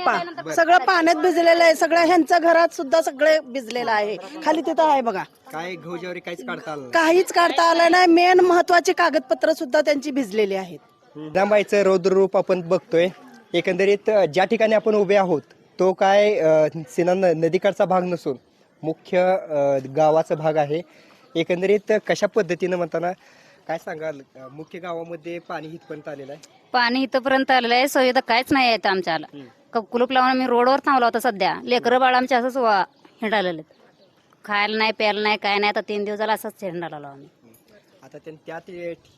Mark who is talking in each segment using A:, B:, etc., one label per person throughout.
A: टिप्पा सगळं पाण्यात भिजलेलं आहे. सगळं ह्यांच्या घरात सुद्धा सगळे भिजलेलं आहे. खाली तिथं आहे बघा.
B: काय गहू ज्वारी काहीच काढता आलं
A: काहीच काढता आलं नाही. मेन महत्वाची कागदपत्र सुद्धा त्यांची भिजलेली आहेत.
B: दांबाईचं रौद्र रूप आपण बघतोय. एकंदरीत ज्या ठिकाणी आपण उभे आहोत तो काय सीना नदीकडचा भाग नसून मुख्य गावाचा भाग आहे. एकंदरीत कशा पद्धतीनं म्हणताना काय सांगाल, मुख्य गावामध्ये पाणी इथपर्यंत आलेलं आहे?
C: पाणी इथपर्यंत आलेलं आहे. सुविधा काहीच नाही आहेत आमच्याला. कुलूप लावून आम्ही रोडवर थांबलो होतो. सध्या लेकरं बाळ आमच्या असंच हिंडालेले, खायला नाही प्यायला नाही काय नाही. आता 3 दिवस झाला असंच हिंडाला आम्ही.
B: आता त्यात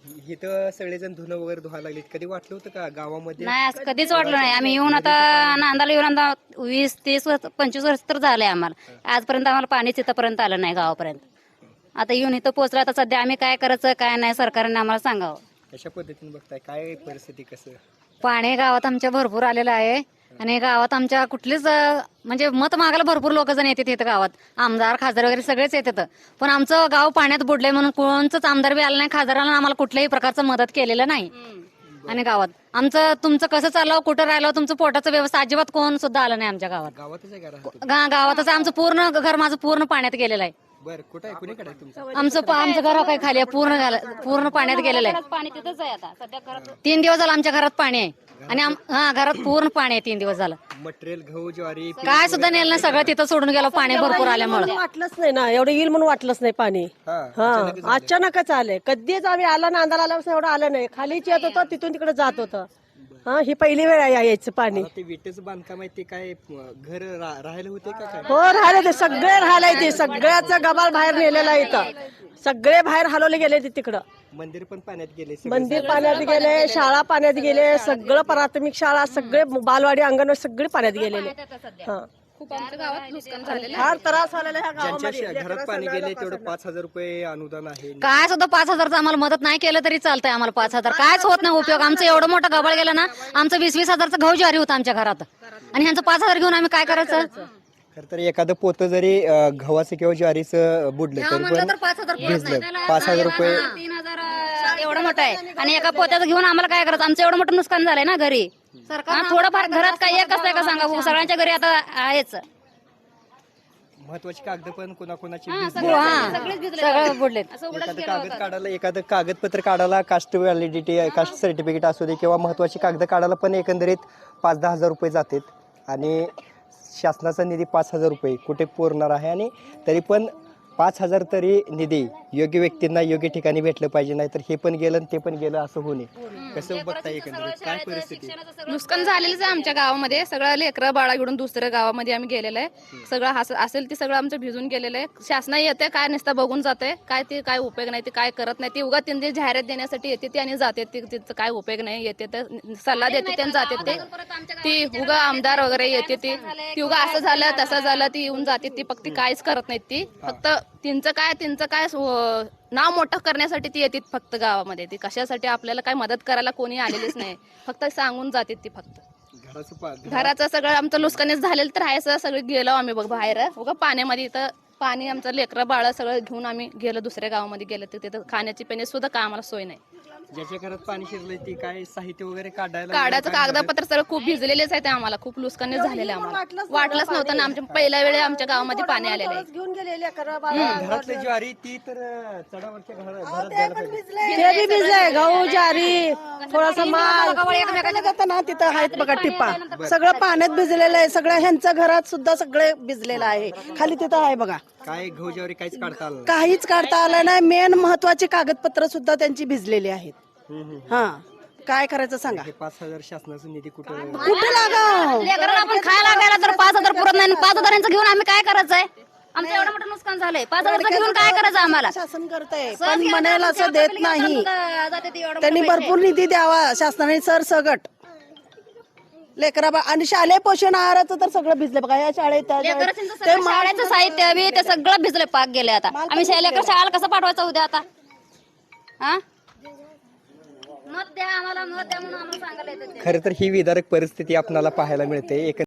B: इथं सगळेजण धुणं वगैरे धुवायला लागले. कधी वाटलं होतं का गावामध्ये?
C: नाही असं कधीच वाटलं नाही. आम्ही येऊन आता नांदाला येऊन आता 20, 30, 25 वर्ष तर झाले आम्हाला. आजपर्यंत आम्हाला पाणीच इथंपर्यंत आलं नाही गावापर्यंत. आता येऊन इथं पोहोचलं. आता सध्या आम्ही काय करायचं काय नाही सरकारने आम्हाला सांगावं.
B: कशा पद्धतीने बघताय, काय परिस्थिती कसं?
C: पाणी गावात आमच्या भरपूर आलेलं आहे आणि गावात आमच्या कुठलीच म्हणजे मत मागायला भरपूर लोक जण येतात इथं गावात. आमदार खासदार वगैरे सगळेच येतात. पण आमचं गाव पाण्यात बुडलंय म्हणून कोणचंच आमदार बी आलं नाही, खासदाराला आम्हाला कुठल्याही प्रकारचं मदत केलेलं नाही. आणि गावात आमचं तुमचं कसं चाललं कुठं राहिलं तुमचं पोटाचं व्यवस्था अजिबात कोण सुद्धा आलं नाही आमच्या गावात.
B: गावातच आहे का?
C: गावातच आमचं पूर्ण घर माझं पूर्ण पाण्यात गेलेलं आहे.
B: बरं, कुठं आहे, कुणीकडे आहे तुमचं?
C: आमचं घर काय खाली आहे, पूर्ण पाण्यात गेलेलं आहे. पाणी तिथंच आहे आता सध्या. 3 दिवस झालं आमच्या घरात पाणी आहे आणि घरात पूर्ण पाणी आहे. 3 दिवस झालं
B: मटेरियल गहू ज्वारी
C: काय सुद्धा नेलं नाही. सगळं तिथं सोडून गेलं पाणी भरपूर आल्यामुळे.
A: वाटलंच नाही ना, एवढं येईल म्हणून वाटलंच नाही पाणी.
B: हा
A: अचानकच आले. कधीच आम्ही आला ना, अंधार आल्यापासून एवढं आलं नाही. खालीच येत होतं, तिथून तिकडे जात होतं. ही पहिली वेळ आहे यायचं पाणी.
B: ते विटेचं बांधकाम आहे ते काय घर राहायला होते का काय?
A: हो राहिले ते सगळे राहिले. ते सगळ्याच गबाळ बाहेर नेलेला आहे इथं. सगळे बाहेर हलवले गेले ते तिकडं.
B: मंदिर पण पाण्यात गेले,
A: मंदिर पाण्यात गेले, शाळा पाण्यात गेले, सगळं प्राथमिक शाळा सगळे बालवाडी अंगणवाडी सगळे पाण्यात गेलेले. फार त्रास झालेला ह्या गावामध्ये.
B: ज्यांच्या घरात पाणी गेले तेवढं 5,000 रुपये अनुदान आहे.
C: काय सुद्धा 5,000चं आम्हाला मदत नाही केलं तरी चालतंय. आम्हाला 5,000 कायच होत नाही उपयोग. आमचं एवढं मोठं गबाळ गेलं ना, आमचं 20-20 हजारचं गहू ज्वारी होतं आमच्या घरात आणि ह्यांचं 5,000 घेऊन आम्ही काय करायचं?
B: खरं तर एखादं पोतं जरी गव्हाचं किंवा ज्वारीचं बुडलं तरी पण 5,000 रुपये
C: 3,000 एवढं मोठं आहे आणि एका पोत्याचं घेऊन आम्हाला काय करायचं? आमचं एवढं मोठं नुकसान झालंय ना घरी. थोडंफार घरात काय एक असतंय का सांगा? सगळ्यांच्या घरी आता आहेच.
B: महत्वाची कागद पण कोणाकोणाची
C: सगळं बुडलेत.
B: एखादं कागदपत्र काढायला, कास्ट व्हॅलिडिटी कास्ट सर्टिफिकेट असू दे किंवा महत्वाची कागद काढायला पण एकंदरीत 5-10 हजार रुपये जातात आणि शासनाचा निधी 5,000 रुपये कुठे पुरणार आहे? आणि तरी पण 5,000 तरी निधी योग्य व्यक्तींना योग्य ठिकाणी भेटलं पाहिजे. नाही तर हे पण गेलं आणि ते पण गेलं असं होणे. कसं बघता एकंदरीत काय परिस्थिती?
D: नुकसान झालेलंच आहे आमच्या गावामध्ये. सगळं लेकरं बाळा घेऊन दुसऱ्या गावामध्ये आम्ही गेलेलं आहे. सगळं असेल ते सगळं आमचं भिजून गेलेलं आहे. शासना येते काय नुसतं बघून जाते. काय ते काय उपयोग नाही, ते काय करत नाही. ती उगा त्यांची जाहिरात देण्यासाठी येते ती आणि जाते. तिचं काय उपयोग नाही. येते तर सल्ला देते ते जाते. ती उगा आमदार वगैरे येते ती उगा असं झालं तसं झालं ती येऊन जाते. ती फक्त काहीच करत नाहीत. ती फक्त त्यांचं काय नाव मोठं करण्यासाठी ती येते फक्त गावामध्ये. ती कशासाठी आपल्याला काय मदत करायला कोणी आलेलीच नाही. फक्त सांगून जाते ती फक्त. घराचं सगळं आमचं नुकसानीच झालेलं तर आहे. सगळं गेलो आम्ही बघ बाहेर उगा पाण्यामध्ये. इथं पाणी आमचं लेकरं बाळ सगळं घेऊन आम्ही गेलो दुसऱ्या गावामध्ये गेलो. तिथं खाण्याची पिण्याची सुद्धा काय आम्हाला सोय नाही.
B: ज्याच्या घरात पाणी शिरलंय ती काय साहित्य वगैरे
D: काढायचं कागदपत्र सगळं खूप भिजलेलेच आहे. ते आम्हाला खूप नुकसानीच झालेलं आहे. आम्हाला वाटलंच नव्हतं ना. आमच्या पहिल्या वेळी आमच्या गावामध्ये पाणी आलेलं आहे.
A: घेऊन गेलेले
B: घरातली ज्वारी ती तर चढावरच्या घरात द्यायला पाहिजे.
A: ते बी भिजलंय. गहू ज्वारी थोडासा माल एकमेकांना जातं ना, तिथं आहेत बघा टिप्पा. सगळं पाण्यात भिजलेलं आहे. सगळं ह्यांच्या घरात सुद्धा सगळे भिजलेलं आहे. खाली तिथं आहे बघा.
B: काय गहू ज्वारी काहीच काढता आलं
A: काहीच काढता आलं नाही. मेन महत्वाची कागदपत्र सुद्धा त्यांची भिजलेली आहेत. काय करायचं सांगा?
B: 5,000 शासनाचा निधी कुठं
A: लागाव?
C: लेकरांना आपण खायला गेला तर 5,000 पुरत नाही. 5,000 घेऊन आम्ही काय करायचंय? आमचं एवढं मोठं नुकसान झालंय. 5,000 घेऊन काय करायचं आम्हाला?
A: शासन करतंय पण म्हणायला असं देत नाही. त्यांनी भरपूर निधी द्यावा शासनाने सरसगट. लेकरा आणि शालेय पोषण आहाराचं तर सगळं भिजलं बघा. या शाळेत
C: शाळेचं साहित्य बी ते सगळं भिजलंय. पाक गेले. आता आम्ही शाळेला कसं पाठवायचं उद्या आता? मत द्या आम्हाला, मत द्या म्हणून आम्हाला सांगायला येतं.
B: खरं तर ही विदारक परिस्थिती आपल्याला पाहायला मिळते.